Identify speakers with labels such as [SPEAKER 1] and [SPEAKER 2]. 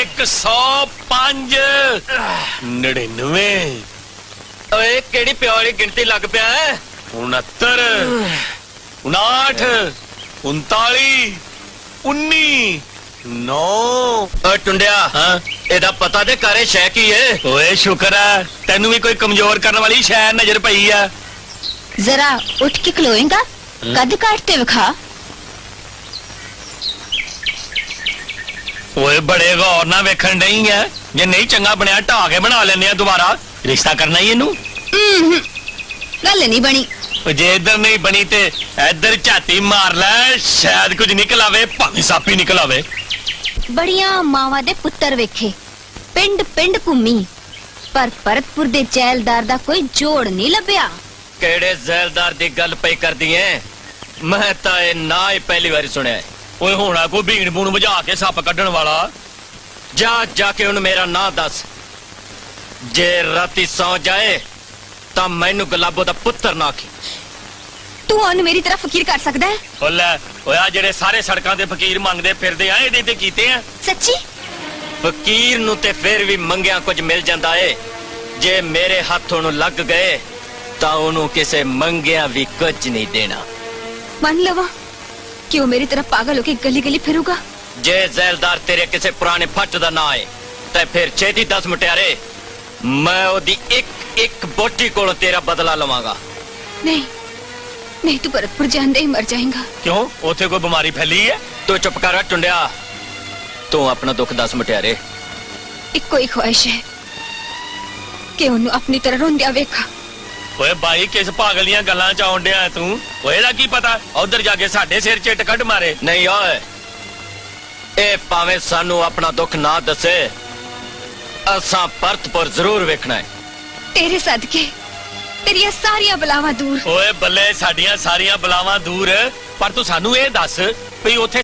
[SPEAKER 1] 105 99
[SPEAKER 2] ओए केड़ी प्यो वाली गिनती लग पिया है
[SPEAKER 1] 69 59 39 19 9
[SPEAKER 2] टुंडिया
[SPEAKER 1] हाँ
[SPEAKER 2] एदा पता दे करे शै की है
[SPEAKER 1] ओए शुक्र है तेनू भी कोई कमजोर करने वाली शय नजर पई है।
[SPEAKER 3] जरा उठ के खलोएगा कद काटते विखा।
[SPEAKER 1] ओए बड़े गौर ना वेखण नहीं है जे नहीं चंगा बनया ढा के बना लेने दोबारा रिश्ता करना ही इनू
[SPEAKER 3] गल नहीं बनी
[SPEAKER 1] जे इधर नहीं बनी ते इधर झाती मार ले शायद कुछ निकल आवे भावें सप ही निकल आवे।
[SPEAKER 3] बड़िया मावा दे पुत्तर वेखे पिंड पिंड घूमी पर भरतपुर दे जैलदार दा कोई जोड़ नहीं लभ्या।
[SPEAKER 2] केड़े जैलदार दी गल पई कर दी है मैं ता ए ना ही पहली बार सुनिया है।
[SPEAKER 1] ओए होना कोई भीड़ भूण बुझा के सप कड्ढण वाला
[SPEAKER 2] जा जाके उन मेरा ना दस जे राती सौ जाए ता मैनू गुलाबो दा पुत्तर ना आखी।
[SPEAKER 3] तू ओन मेरी तरफ फकीर कर सकदा है?
[SPEAKER 1] ओ ले ओए जेड़े सारे सड़कां ते फकीर मंगदे फिरदे आ एदे ते कीते आ
[SPEAKER 3] सच्ची?
[SPEAKER 2] फकीर नू ते फिर भी मंगिया कुछ मिल जांदा है जे मेरे हाथों नू लग गए ता उन्हों किसे मंगिया भी कुछ नहीं देना।
[SPEAKER 3] मान लवा कि वो मेरी तरफ पागल होके गली गली फिरूगा।
[SPEAKER 2] जे जैलदार तेरे किसे पुराने फट दा ना आए ते फिर छेती 10 मुटियारे मैं ओदी एक एक बोटी कोलों तेरा बदला लवांगा।
[SPEAKER 3] नहीं नहीं तू भरतपुर जांदे ही मर जाएगा।
[SPEAKER 1] क्यों ओथे कोई बीमारी फैली है?
[SPEAKER 2] तू चुप कर टुंडिया तू अपना दुख 10 मुटियारे।
[SPEAKER 3] इको ही ख्वाहिश है कि उन्हें अपनी तरह रोंदिया वेखा।
[SPEAKER 1] ओए भाई किस पागल दियां गल्लां च आउण डिया तू? ओए दा की पता उधर जाके साडे सिर चिट कट मारे।
[SPEAKER 2] नहीं ओए ए भावें सानू अपना दुख ना दसे असां भरतपुर जरूर वेखना है।
[SPEAKER 3] तेरे सदके तेरिया सारिया बलावां दूर।
[SPEAKER 1] ओए बल्ले साडियां सारियां बलावां दूर पर तू सानू ए दस भी ओथे